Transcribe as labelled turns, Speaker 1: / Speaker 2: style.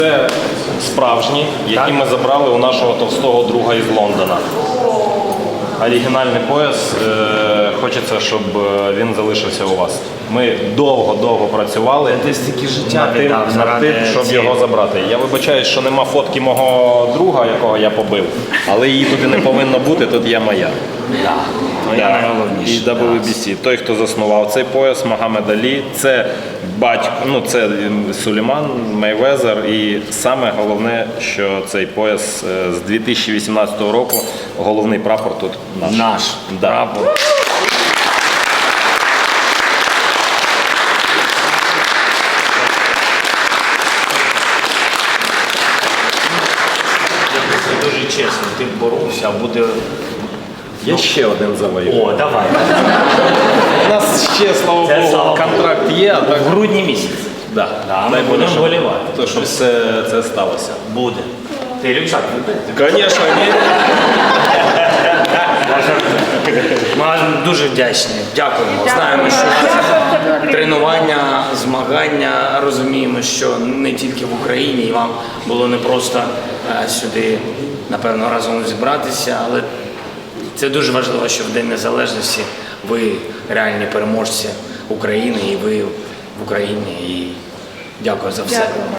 Speaker 1: Це справжні, які ми забрали у нашого товстого друга із Лондона. Оригінальний пояс, хочеться, щоб він залишився у вас. Ми довго працювали
Speaker 2: Ти стільки життя
Speaker 1: над тим, щоб його забрати. Я вибачаюсь, що нема фотки мого друга, якого я побив, але її туди не повинно бути, тут є моя.
Speaker 2: Моя найголовніша.
Speaker 1: І WBC. Той, хто заснував цей пояс, Магомед Алі, це батько, це Сулейман Мейвезер. І саме головне, що цей пояс з 2018 року, головний прапор тут наш.
Speaker 2: Наш прапор. Дуже чесно, ти боровся, а буде...
Speaker 1: Я ще один завоюю.
Speaker 2: О, давай.
Speaker 1: У нас ще, слава
Speaker 2: Це слава
Speaker 1: Богу, контракт є, а так...
Speaker 2: В грудні місяці.
Speaker 1: Да.
Speaker 2: Ми будемо вболівати.
Speaker 1: То, щоб все це сталося.
Speaker 2: Буде. Ти рюкзак вибив?
Speaker 1: Звісно, ні.
Speaker 2: Ми вам дуже вдячні. Дякуємо. Знаємо, що тренування, змагання, розуміємо, що не тільки в Україні, і вам було непросто сюди, напевно, разом зібратися, але це дуже важливо, що в День Незалежності ви реальні переможці України, і ви в Україні. І дякую за все.